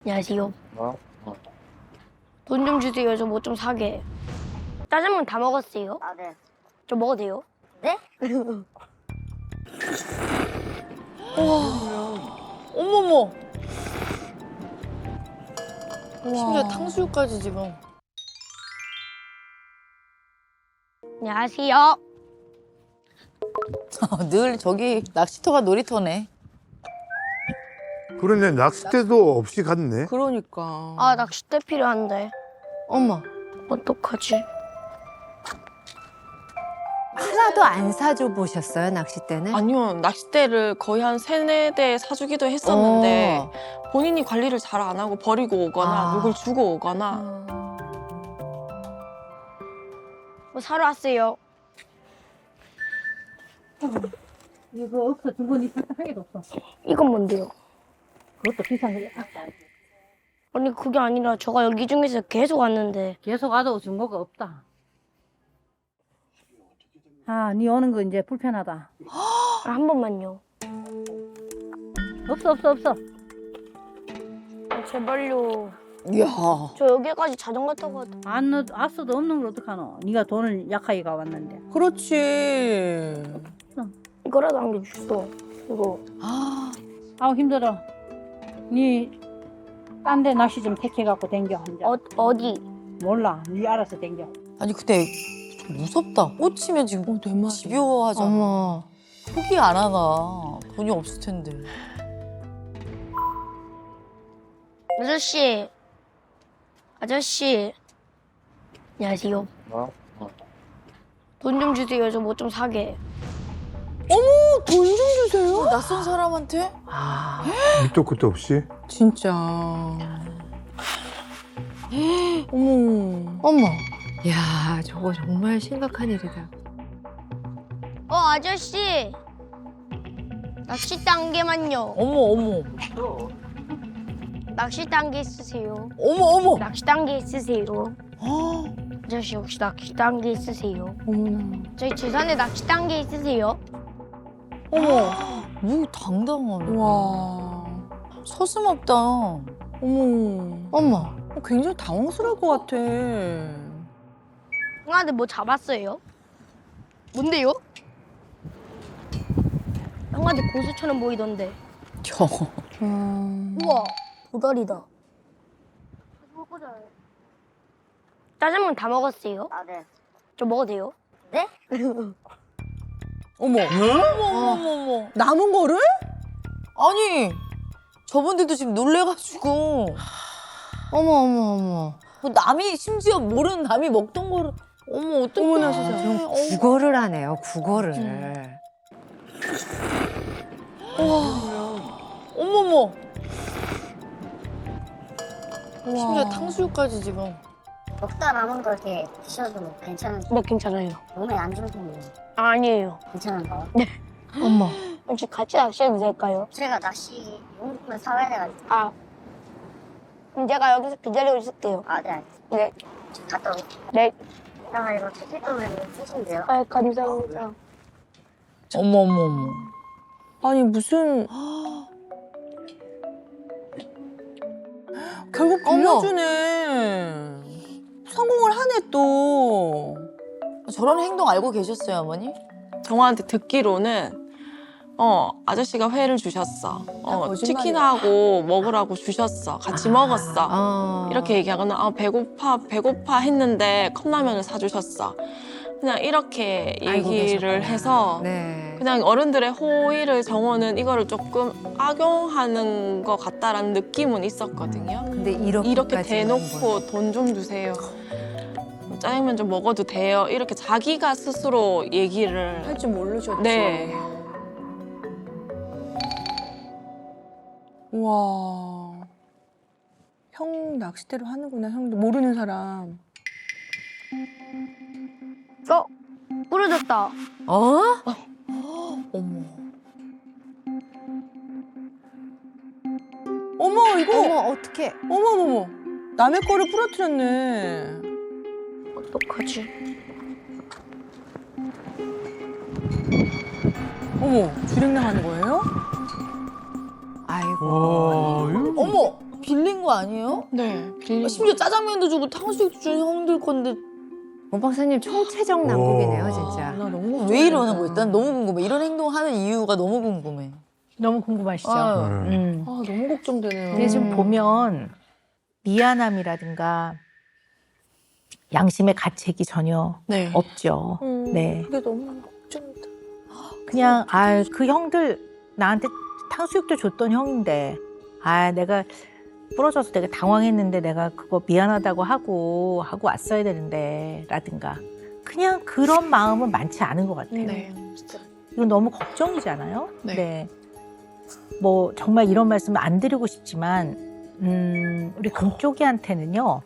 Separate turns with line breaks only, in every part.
안녕하세요.
어?
돈 좀 주세요. 저 뭐 좀 사게. 짜장면 다 먹었어요?
아, 네.
저 먹어도 돼요?
네?
어머머. 심지어 탕수육까지 지금.
안녕하세요.
늘 저기 낚시터가 놀이터네.
그러네, 낚싯대도 없이 갔네.
그러니까.
아, 낚싯대 필요한데.
엄마.
어떡하지?
하나도 안 사줘 보셨어요, 낚싯대는?
아니요, 낚싯대를 거의 한 세네 대 사주기도 했었는데 본인이 관리를 잘 안 하고 버리고 오거나
아.
누굴 주고 오거나
뭐 사러 왔어요.
이거 없어. 중고니 한 개도 없어.
이건 뭔데요?
그것도 비싼 거야.
아니, 그게 아니라 저가 여기 중에서 계속 왔는데.
계속 와도 중고가 없다. 아, 니 오는 거 이제 불편하다.
아, 한 번만요.
없어.
아, 제발요.
이야.
저 여기까지 자전거 타고 왔다.
안 왔어도 없는 걸 어떡하노? 니가 돈을 약하게 가왔는데.
그렇지.
이거라도 남겨주소. 이거.
아,
아우 힘들어. 니 딴 데 낚시 좀 택해갖고 댕겨 혼자.
어디?
몰라. 니 알아서 댕겨.
아니 근데 좀 무섭다. 꽂히면 지금
내 말이야.
집요하잖아.
어머.
포기 안 하나. 돈이 없을 텐데.
아저씨. 아저씨. 안녕하세요.
어?
돈 좀 주세요. 저 뭐 좀 사게.
돈 좀 주세요. 낯선 사람한테?
아,
밑도 끝도 없이.
진짜. 어머.
어머. 야, 저거 정말 심각한 일이다.
아저씨. 낚싯대 한 개만요.
어머.
낚싯대 한 개 있으세요?
어머.
낚싯대 한 개 있으세요?
아,
아저씨 혹시 낚싯대 한 개 있으세요?
어머나.
저희 주산에 낚싯대 한 개 있으세요?
어머. 뭐 당당하네.
와,
서슴없다.
어머,
엄마.
굉장히 당황스러울 것 같아.
형한테 뭐 잡았어요? 뭔데요? 형한테 고수처럼 보이던데.
저거.
우와, 도다리다. 짜장면 다 먹었어요?
아, 네.
저 먹어도 돼요?
어머. 어머.
남은 거를?
아니, 저분들도 지금 놀래가지고.
어머.
뭐 남이 심지어 모르는 남이 먹던 거를. 어머, 어떡해.
어머나 세상에.
좀 국어를 하네요, 국어를.
어머머. 심지어 탕수육까지 지금.
먹다 남은 거 이렇게 드셔도 뭐 괜찮은,
네, 괜찮아요.
몸에 안 좋은
아니에요.
괜찮은가요?
어머.
혹시 같이 낚시해도 될까요?
제가 낚시 용품을 사와야 돼가지고.
아, 그럼 제가 여기서 기다리고 있을게요.
아, 네. 알겠습니다.
네,
좀 갔다 올게요.
네.
아, 이거 택배도면 쓰시면 돼요.
아, 감사합니다.
어머.
아니 무슨 결국 빌려주네. 성공을 하네 또.
저런 행동 알고 계셨어요, 어머니?
정화한테 듣기로는 아저씨가 회를 주셨어.
거짓말이야.
치킨하고 먹으라고 주셨어. 같이 먹었어. 이렇게 얘기하거나 배고파 했는데 컵라면을 사주셨어. 그냥 이렇게
알고
얘기를
계셨구나.
해서
네.
그냥 어른들의 호의를 정원은 이거를 조금 악용하는 것 같다라는 느낌은 있었거든요.
근데
이렇게 대놓고 돈 좀 주세요. 짜장면 좀 먹어도 돼요. 이렇게 자기가 스스로 얘기를
할 줄 모르셨죠.
네. 와. 형 낚싯대로 하는구나. 형도 모르는 사람.
부러졌다.
어?
어머.
어머 이거
어머, 어떡해.
어머 남의 거를 부러뜨렸네.
어떡하지?
어머 주행 나가는 거예요?
아이고.
와, 이거
어머. 빌린 거 아니에요?
네, 빌린
심지어 짜장면도 주고 탕수육도 주는 형들 건데
원 박사님 총체적 난국이네요,
오.
진짜.
나 너무
왜 이러는 거야? 난 너무 궁금해. 이런 행동하는 이유가 너무 궁금해.
너무 궁금하시죠?
아,
네.
아, 너무 걱정되네요.
근데 지금 보면 미안함이라든가 양심의 가책이 전혀
네.
없죠. 네.
그게 너무 걱정돼.
그냥 그 형들 나한테 탕수육도 줬던 형인데 내가 부러져서 되게 당황했는데 내가 그거 미안하다고 하고 왔어야 되는데 라든가 그냥 그런 마음은 많지 않은 것 같아요.
네, 진짜.
이건 너무 걱정이잖아요.
네.
뭐 정말 이런 말씀을 안 드리고 싶지만 우리 금쪽이한테는요.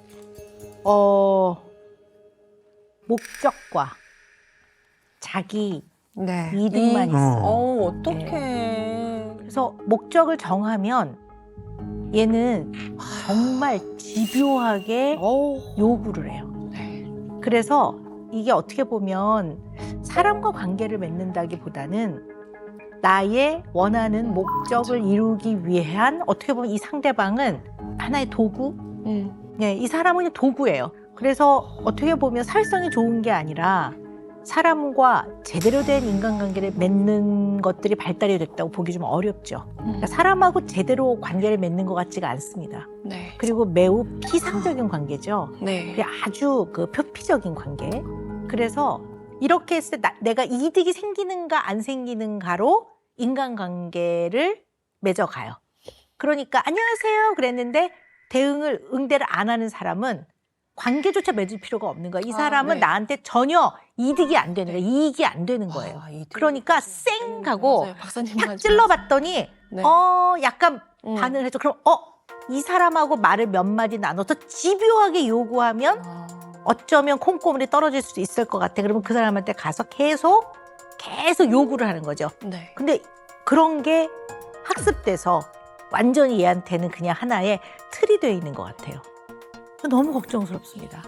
목적과 자기
네.
이득만 있어요.
어떡해.
그래서 목적을 정하면 얘는 정말 집요하게 요구를 해요.
네.
그래서 이게 어떻게 보면 사람과 관계를 맺는다기보다는 나의 원하는 목적을 이루기 위한 어떻게 보면 이 상대방은 하나의 도구? 네, 이 사람은 그냥 도구예요. 그래서 어떻게 보면 사회성이 좋은 게 아니라 사람과 제대로 된 인간관계를 맺는 것들이 발달이 됐다고 보기 좀 어렵죠. 그러니까 사람하고 제대로 관계를 맺는 것 같지가 않습니다.
네.
그리고 매우 피상적인 관계죠.
네.
그게 아주 그 표피적인 관계. 그래서 이렇게 했을 때 내가 이득이 생기는가 안 생기는가로 인간관계를 맺어가요. 그러니까 안녕하세요 그랬는데 응대를 안 하는 사람은 관계조차 맺을 필요가 없는 거야. 이 사람은
네.
나한테 전혀 이득이 안 되는 거야. 이익이 안 되는 거예요. 그러니까 쌩 하고
맞아요. 박사님
탁
말씀.
찔러봤더니
네.
약간 반응을 해줘. 그럼 이 사람하고 말을 몇 마디 나눠서 집요하게 요구하면 어쩌면 콩고물이 떨어질 수도 있을 것 같아. 그러면 그 사람한테 가서 계속 요구를 하는 거죠.
네.
근데 그런 게 학습돼서 완전히 얘한테는 그냥 하나의 틀이 되어 있는 것 같아요. 너무 걱정스럽습니다.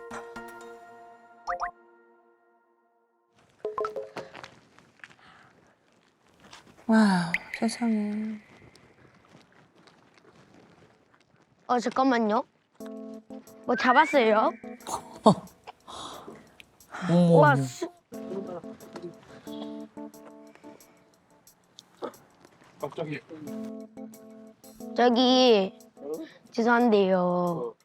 와, 세상에.
잠깐만요. 뭐 잡았어요?
어머.
와, 저기 죄송한데요.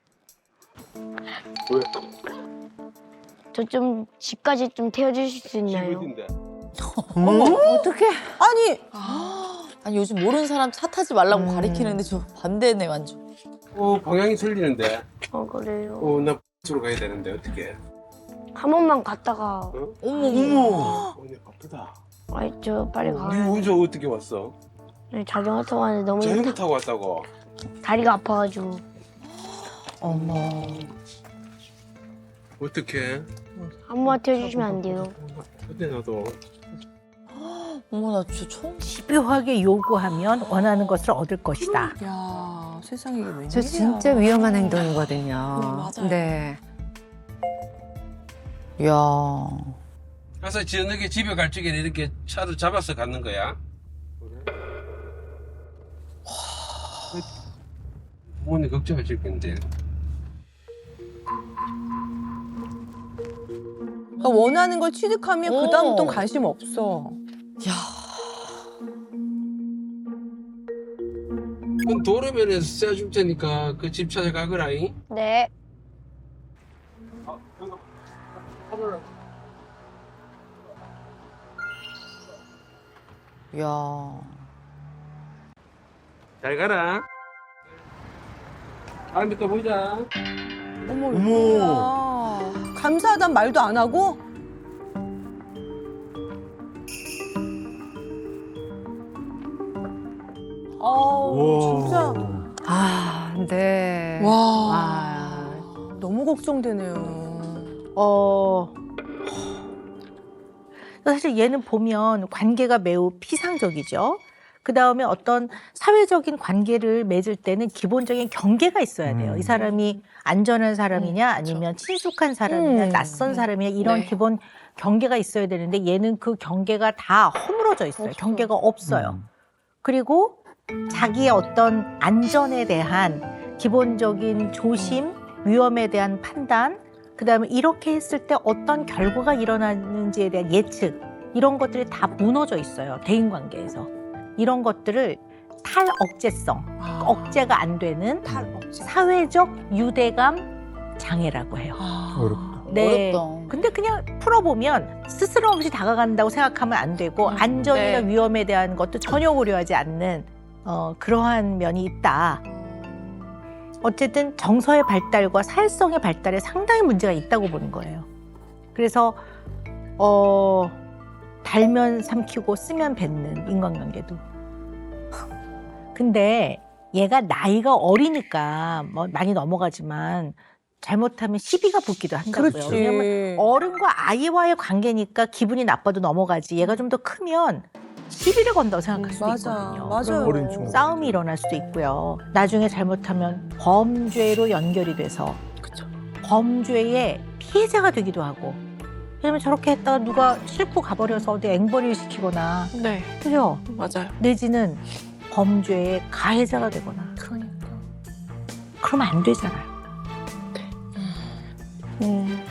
저 좀 집까지 좀 태워주실 수 있나요?
어떻게?
아니 요즘 모르는 사람 차 타지 말라고 가리키는데 저 반대네 완전.
방향이 틀리는데.
그래요.
나 X로 가야 되는데 어떻게?
한 번만 갔다가
어머.
오늘 바쁘다.
저 빨리
네
가요.
운전 어떻게 왔어?
자전거 타고 왔는데 너무
자전거 타고 왔다고?
다리가 아파가지고.
어머.
어떻게?
한 번만 태워주시면 안 돼요?
근데 나도
어머 나 진짜 처음.
집요하게 요구하면 원하는 것을 얻을 것이다.
야, 세상에 이게 웬일이야.
저 진짜 위험한 행동이거든요.
맞아요.
네.
야.
가서 저녁에 집에 갈 적에 이렇게 차를 잡아서 가는 거야? 부모님 걱정하실 건데.
그러니까 원하는 걸 취득하면
어.
그다음부터는 관심 없어.
야.
그건 도로면에서 쏴줄 테니까 그 집 찾아가거라잉.
네.
야.
잘 가라. 다음에 또 보자.
어머,
어머.
뭐야. 감사하단 말도 안 하고? 진짜
네.
와.
너무 걱정되네요.
사실 얘는 보면 관계가 매우 피상적이죠. 그 다음에 어떤 사회적인 관계를 맺을 때는 기본적인 경계가 있어야 돼요. 이 사람이 안전한 사람이냐 아니면 친숙한 사람이냐 낯선 사람이냐 이런
네.
기본 경계가 있어야 되는데 얘는 그 경계가 다 허물어져 있어요. 경계가 없어요. 그리고 자기의 어떤 안전에 대한 기본적인 조심, 위험에 대한 판단, 그다음에 이렇게 했을 때 어떤 결과가 일어나는지에 대한 예측, 이런 것들이 다 무너져 있어요. 대인관계에서. 이런 것들을 탈억제성, 억제가 안 되는 사회적 유대감 장애라고 해요.
어렵다.
네.
어렵다.
근데 그냥 풀어보면 스스럼 없이 다가간다고 생각하면 안 되고 안전이나
네.
위험에 대한 것도 전혀 고려하지 않는 그러한 면이 있다. 어쨌든 정서의 발달과 사회성의 발달에 상당히 문제가 있다고 보는 거예요. 그래서 달면 삼키고 쓰면 뱉는 인간관계도. 근데 얘가 나이가 어리니까 뭐 많이 넘어가지만 잘못하면 시비가 붙기도 한다고요.
그렇지.
왜냐면 어른과 아이와의 관계니까 기분이 나빠도 넘어가지. 얘가 좀 더 크면 시비를 건다고 생각할 수도
맞아,
있거든요.
맞아요.
어린 친구.
싸움이 일어날 수도 있고요. 나중에 잘못하면 범죄로 연결이 돼서 범죄의 피해자가 되기도 하고. 왜냐면 저렇게 했다가 누가 싣고 가버려서 어디 앵벌이를 시키거나,
네,
그죠?
맞아요.
내지는 범죄의 가해자가 되거나.
그러니까.
그러면 안 되잖아요.